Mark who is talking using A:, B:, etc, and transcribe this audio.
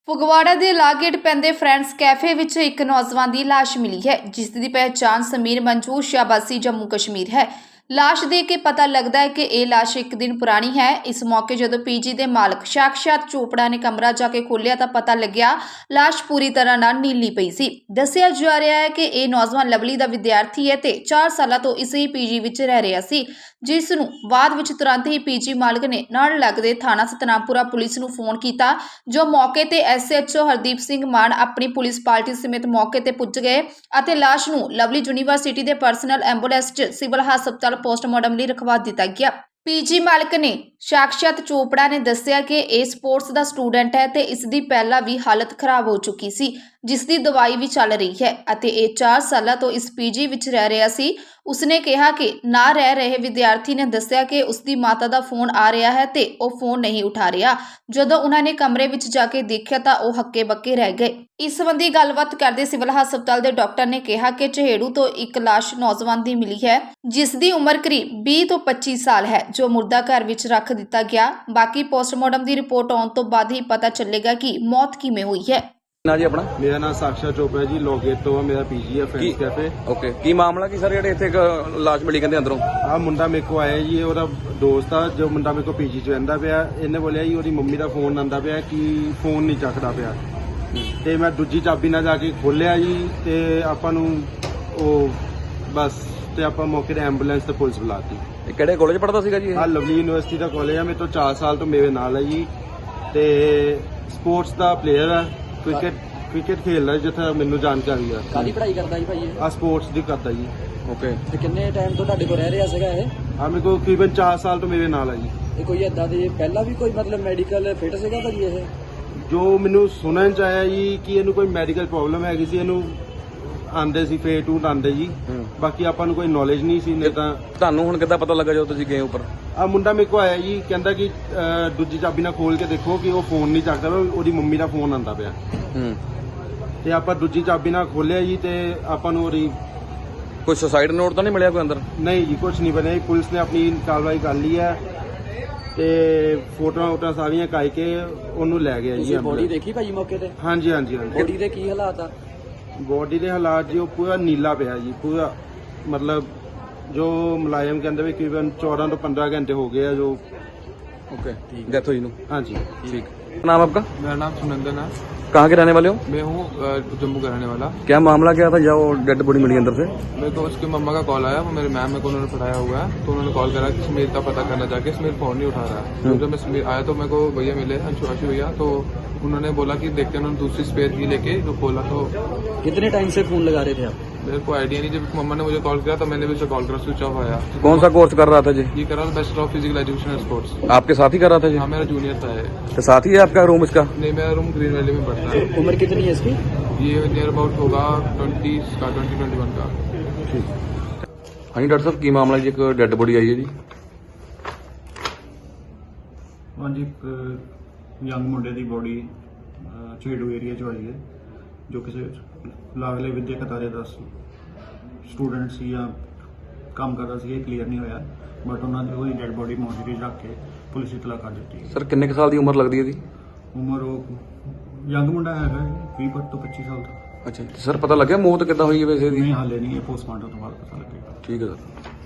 A: ਫਗਵਾੜਾ ਦੇ ਲਾਗੇਟ ਪੈਂਦੇ friends cafe ਵਿੱਚ ਇੱਕ ਨੌਜਵਾਨ ਦੀ ਲਾਸ਼ ਮਿਲੀ ਹੈ, ਜਿਸ ਦੀ ਪਹਿਚਾਣ ਸਮੀਰ ਮਨਜੂਰ ਸ਼ਾਬਾਸੀ ਜੰਮੂ ਕਸ਼ਮੀਰ ਹੈ। ਲਾਸ਼ ਦੇਖ ਕੇ ਪਤਾ ਲੱਗਦਾ ਹੈ ਕਿ ਇਹ ਲਾਸ਼ ਇੱਕ ਦਿਨ ਪੁਰਾਣੀ ਹੈ। ਇਸ ਮੌਕੇ ਜਦੋਂ ਪੀਜੀ ਦੇ ਮਾਲਕ ਸਾਕਸ਼ਾਤ ਚੋਪੜਾ ਨੇ ਕਮਰਾ ਜਾ ਕੇ ਖੋਲ੍ਹਿਆ ਤਾਂ ਪਤਾ ਲੱਗਿਆ ਲਾਸ਼ ਪੂਰੀ ਤਰ੍ਹਾਂ ਨਾਲ ਨੀਲੀ ਪਈ ਸੀ। ਦੱਸਿਆ ਜਾ ਰਿਹਾ ਹੈ ਕਿ ਇਹ ਨੌਜਵਾਨ ਲਵਲੀ ਦਾ ਵਿਦਿਆਰਥੀ ਹੈ ਤੇ 4 ਸਾਲਾਂ ਤੋਂ ਇਸੇ ਹੀ ਪੀਜੀ ਵਿੱਚ ਰਹਿ ਰਿਹਾ ਸੀ, ਜਿਸ ਨੂੰ ਬਾਅਦ ਵਿੱਚ ਤੁਰੰਤ ਹੀ ਪੀਜੀ ਮਾਲਕ ਨੇ ਨਾਲ ਲੱਗਦੇ ਥਾਣਾ ਸਤਨਾਮਪੁਰਾ ਪੁਲਿਸ ਨੂੰ ਫੋਨ ਕੀਤਾ, ਜੋ ਮੌਕੇ ਤੇ ਐਸਐਚਓ ਹਰਦੀਪ ਸਿੰਘ ਮਾਨ ਆਪਣੀ ਪੁਲਿਸ ਪਾਰਟੀ ਸਮੇਤ ਮੌਕੇ ਤੇ ਪੁੱਜ ਗਏ ਅਤੇ ਲਾਸ਼ ਨੂੰ ਲਵਲੀ ਯੂਨੀਵਰਸਿਟੀ ਦੇ ਪਰਸਨਲ ਐਂਬੂਲੈਂਸ 'ਚ ਸਿਵਲ ਹਸਪਤਾਲ ਪੋਸਟਮਾਰਟਮ ਲਈ ਰਖਵਾ ਦਿੱਤਾ ਗਿਆ। ਪੀਜੀ ਮਾਲਕ ਨੇ ਸਾਕਸ਼ਾਤ ਚੋਪੜਾ ਨੇ ਦੱਸਿਆ ਕਿ ਇਹ ਸਪੋਰਟਸ ਦਾ ਸਟੂਡੈਂਟ ਹੈ ਤੇ ਇਸ ਦੀ ਪਹਿਲਾਂ ਵੀ ਹਾਲਤ ਖਰਾਬ ਹੋ ਚੁੱਕੀ ਸੀ, ਜਿਸ ਦੀ ਦਵਾਈ ਵੀ ਚੱਲ ਰਹੀ ਹੈ ਅਤੇ ਇਹ 4 ਸਾਲਾਂ ਤੋਂ ਇਸ ਪੀਜੀ ਵਿੱਚ ਰਹਿ ਰਿਹਾ ਸੀ। ਉਸਨੇ ਕਿਹਾ ਕਿ ਨਾ ਰਹਿ ਰਹੇ ਵਿਦਿਆਰਥੀ ਨੇ ਦੱਸਿਆ ਕਿ ਉਸ ਦੀ ਮਾਤਾ ਦਾ ਫੋਨ ਆ ਰਿਹਾ ਹੈ ਤੇ ਉਹ ਫੋਨ ਨਹੀਂ ਉਠਾ ਰਿਹਾ। ਜਦੋਂ ਉਹਨਾਂ ਨੇ ਕਮਰੇ ਵਿੱਚ ਜਾ ਕੇ ਦੇਖਿਆ ਤਾਂ ਉਹ ਹੱਕੇ ਬੱਕੇ ਰਹਿ ਗਏ। ਇਸ ਸੰਬੰਧੀ ਗੱਲਬਾਤ ਕਰਦੇ ਸਿਵਲ ਹਸਪਤਾਲ ਦੇ ਡਾਕਟਰ ਨੇ ਕਿਹਾ ਕਿ ਚਹੇੜੂ ਤੋਂ ਇੱਕ ਲਾਸ਼ ਨੌਜਵਾਨ ਦੀ ਮਿਲੀ ਹੈ, ਜਿਸ ਦੀ ਉਮਰ ਕਰੀਬ 20 ਤੋਂ 25 ਸਾਲ ਹੈ, ਜੋ ਮੁਰਦਾ ਘਰ ਵਿੱਚ ਰੱਖ ਦਿੱਤਾ ਗਿਆ। ਬਾਕੀ ਪੋਸਟਮਾਰਟਮ ਦੀ ਰਿਪੋਰਟ ਆਉਣ ਤੋਂ ਬਾਅਦ ਹੀ ਪਤਾ ਚੱਲੇਗਾ ਕਿ ਮੌਤ ਕਿਵੇਂ ਹੋਈ ਹੈ।
B: ਨਾ ਜੀ ਆਪਣਾ
C: ਮੇਰਾ ਨਾਮ ਸਾਕਸ਼ਾਤ ਚੋਪੜਾ ਜੀ, ਲੋਗੇਟ ਤੋਂ ਆ। ਮੇਰਾ ਪੀਜੀ ਹੈ ਫਰੈਂਡਸ ਕੈਫੇ।
B: ਓਕੇ, ਕੀ ਮਾਮਲਾ ਕੀ ਸਰ ਜਿਹੜੇ ਇੱਥੇ ਇੱਕ ਲਾਸ਼ ਮਿਲੀ ਕਹਿੰਦੇ ਅੰਦਰੋਂ?
C: ਆ ਮੁੰਡਾ ਮੇਰੇ ਕੋ ਆਇਆ ਜੀ, ਉਹਦਾ ਦੋਸਤ ਆ ਜੋ ਮੁੰਡਾ ਮੇਰੇ ਕੋ ਪੀਜੀ 'ਚ ਰਹਿੰਦਾ ਪਿਆ। ਇਹਨੇ ਬੋਲਿਆ ਜੀ ਉਹਦੀ ਮੰਮੀ ਦਾ ਫੋਨ ਆਂਦਾ ਪਿਆ ਕਿ ਫੋਨ ਨਹੀਂ ਚੱਕਦਾ ਪਿਆ, ਤੇ ਮੈਂ ਦੂਜੀ ਚਾਬੀ ਨਾਲ ਜਾ ਕੇ ਖੋਲਿਆ ਜੀ ਤੇ ਆਪਾਂ ਨੂੰ ਉਹ ਬਸ ਤੇ ਆਪਾਂ ਮੌਕੇ ਤੇ ਐਂਬੂਲੈਂਸ ਤੇ ਪੁਲਿਸ ਬੁਲਾਤੀ।
B: ਇਹ ਕਿਹੜੇ ਕਾਲਜ ਪੜ੍ਹਦਾ ਸੀਗਾ ਜੀ ਇਹ?
C: ਆ ਲਵਲੀ ਯੂਨੀਵਰਸਿਟੀ ਦਾ ਕਾਲਜ ਆ। ਮੇਰੇ ਤੋਂ 4 ਸਾਲ ਤੋਂ ਮੇਰੇ ਨਾਲ ਹੈ ਜੀ, ਤੇ ਸਪੋਰਟਸ ਦਾ ਪਲੇਅਰ ਆ। ਕ੍ਰਿਕਟ ਖੇਡਦਾ ਜਿੱਥੇ ਮੈਨੂੰ ਜਾਣਕਾਰੀ ਆ।
D: ਕਾਹਦੀ ਪੜ੍ਹਾਈ ਕਰਦਾ ਜੀ ਭਾਈ ਇਹ?
C: ਆ ਸਪੋਰਟਸ ਦੀ ਕਰਦਾ ਜੀ।
B: ਓਕੇ,
D: ਤੇ ਕਿੰਨੇ ਟਾਈਮ ਤੋਂ ਤੁਹਾਡੇ ਕੋਲ ਰਹਿ ਰਿਹਾ ਸੀਗਾ ਇਹ?
C: ਆ ਮੇਰੇ ਕੋਲ ਤਕਰੀਬਨ 4 ਸਾਲ ਤੋਂ ਮੇਰੇ ਨਾਲ ਆ ਜੀ।
D: ਇਹ ਕੋਈ ਏਦਾਂ ਦੇ ਪਹਿਲਾਂ ਵੀ ਕੋਈ ਮਤਲਬ ਮੈਡੀਕਲ ਫਿਟ ਸੀਗਾ ਭਾਜੀ ਇਹ?
C: ਜੋ ਮੈਨੂੰ ਸੁਣਨ ਚ ਆਇਆ ਜੀ ਕਿ ਇਹਨੂੰ ਕੋਈ ਮੈਡੀਕਲ ਪ੍ਰੋਬਲਮ ਹੈਗੀ ਸੀ, ਇਹਨੂੰ ਆਂਦੇ ਸੀ ਫੇਰ ਟੂ ਆਂਦੇ ਜੀ। ਬਾਕੀ ਆਪਾਂ ਨੂੰ ਕੋਈ ਨੌਲੇਜ ਨਹੀਂ ਸੀ। ਨਹੀਂ ਤਾਂ
B: ਤੁਹਾਨੂੰ ਹੁਣ ਕਿੱਦਾਂ ਪਤਾ ਲੱਗਾ ਜਦੋਂ ਤੁਸੀਂ ਗਏ ਉੱਪਰ?
C: ਆ ਮੁੰਡਾ ਮੇਰੇ ਕੋ ਆਇਆ ਜੀ, ਕਹਿੰਦਾ ਕਿ ਦੂਜੀ ਚਾਬੀ ਨਾਲ ਖੋਲ ਕੇ ਦੇਖੋ ਕਿ ਉਹ ਫੋਨ ਨਹੀਂ ਚੱਕਦਾ, ਉਹਦੀ ਮੰਮੀ ਦਾ ਫੋਨ ਆਂਦਾ ਪਿਆ। ਤੇ ਆਪਾਂ ਦੂਜੀ ਚਾਬੀ ਨਾਲ ਖੋਲਿਆ ਜੀ ਤੇ ਆਪਾਂ ਨੂੰ ਉਹਦੀ
B: ਕੋਈ ਸੁਸਾਈਡ ਨੋਟ ਤਾਂ ਨਹੀਂ ਮਿਲਿਆ ਕੋਈ ਅੰਦਰ?
C: ਨਹੀਂ ਜੀ, ਕੁਝ ਨਹੀਂ ਬਣਿਆ। ਪੁਲਿਸ ਨੇ ਆਪਣੀ ਕਾਰਵਾਈ ਕਰ ਲਈ ਹੈ ਤੇ ਫੋਟੋਆਂ ਸਾਰੀਆਂ ਕਾਈ ਕੇ ਉਹਨੂੰ ਲੈ ਗਿਆ ਜੀ।
D: ਤੁਸੀਂ ਬੋਡੀ ਦੇਖੀ ਭਾਜੀ ਮੌਕੇ ਤੇ?
C: ਹਾਂਜੀ ਹਾਂਜੀ ਹਾਂਜੀ।
D: ਬੋਡੀ ਦੇ ਕੀ ਹਾਲਾਤ ਆ?
C: ਬੋਡੀ ਦੇ ਹਾਲਾਤ ਜੀ ਉਹ ਪੂਰਾ ਨੀਲਾ ਪਿਆ ਜੀ, ਪੂਰਾ ਮਤਲਬ ਜੋ ਮੁਲਾਜ਼ਮ ਕਹਿੰਦੇ ਵੀ ਤਕਰੀਬਨ 14 ਤੋਂ 15 ਘੰਟੇ ਹੋ गए जो।
B: ओके, डेथ हुई नु?
C: हाँ जी
B: ठीक। नाम आपका?
E: मेरा नाम सुनंदन है।
B: कहाँ के रहने वाले हो?
E: मैं हूँ जम्मू का रहने वाला।
B: क्या मामला क्या था जब डेड बॉडी मिली अंदर से?
E: मेरे को उसकी मम्मा का कॉल आया, वो मेरे मैम मेरे को उन्होंने पढ़ाया हुआ है, तो उन्होंने कॉल करा कि समीर का पता करना जाके। समीर फोन नहीं उठा रहा है। तो जब मैं समीर आया तो मेरे को भैया मिले, अंशुआशी भैया, तो उन्होंने बोला कि देखते हैं। उन्होंने दूसरी स्पेयर की लेके जो खोला तो
D: कितने टाइम से फोन लगा रहे थे आप?
E: मेरे को आइडिया नहीं। जब मम्मा ने मुझे कॉल किया तो मैंने भी उसे कॉल करा, स्विच ऑफ आया।
B: कौन सा कोर्स कर रहा था जी?
E: ये करा bachelor of physical education and sports.
B: आपके साथ ही कर रहा था जी?
E: हाँ, मेरा जूनियर था ये।
B: तो साथ ही है आपका रूम इसका?
E: नहीं, मेरा रूम ग्रीन वैली में पड़ता है।
D: उम्र कितनी है इसकी?
E: ये नियर अबाउट होगा 20 का 20-21 का।
B: हाँ जी डॉक्टर साहब, की मामला जी? एक डेड बॉडी आई है जी।
F: ਹਾਂਜੀ, ਯੰਗ ਮੁੰਡੇ ਦੀ ਬੋਡੀ ਛੇੜੂ ਏਰੀਆ 'ਚ ਆਈ ਹੈ, ਜੋ ਕਿਸੇ ਲਾਗਲੇ ਵਿਦਿਅਕ ਅਦਾਰੇ ਦਾ ਸਟੂਡੈਂਟ ਸੀ ਜਾਂ ਕੰਮ ਕਰਦਾ ਸੀ। ਇਹ ਕਲੀਅਰ ਨਹੀਂ ਹੋਇਆ, ਬਟ ਉਹਨਾਂ ਦੀ ਉਹਦੀ ਡੈਡ ਬੋਡੀ ਮੋਰਚਰੀ 'ਚ ਰੱਖ ਕੇ ਪੁਲਿਸ ਇਤਲਾ ਕਰ ਦਿੱਤੀ।
B: ਸਰ ਕਿੰਨੇ ਕੁ ਸਾਲ ਦੀ ਉਮਰ ਲੱਗਦੀ ਹੈ ਇਹਦੀ?
F: ਉਮਰ ਉਹ ਯੰਗ ਮੁੰਡਾ ਹੈਗਾ 20 ਤੋਂ 25 ਸਾਲ ਦਾ।
B: ਅੱਛਾ ਸਰ, ਪਤਾ ਲੱਗਿਆ ਮੌਤ ਕਿੱਦਾਂ ਹੋਈ ਹੈ ਵੈਸੇ ਇਹਦੀ?
F: ਨਹੀਂ, ਹਾਲੇ ਨਹੀਂ, ਇਹ ਪੋਸਟਮਾਰਟਮ ਤੋਂ ਬਾਅਦ ਪਤਾ ਲੱਗੇਗਾ।
B: ਠੀਕ ਹੈ ਸਰ।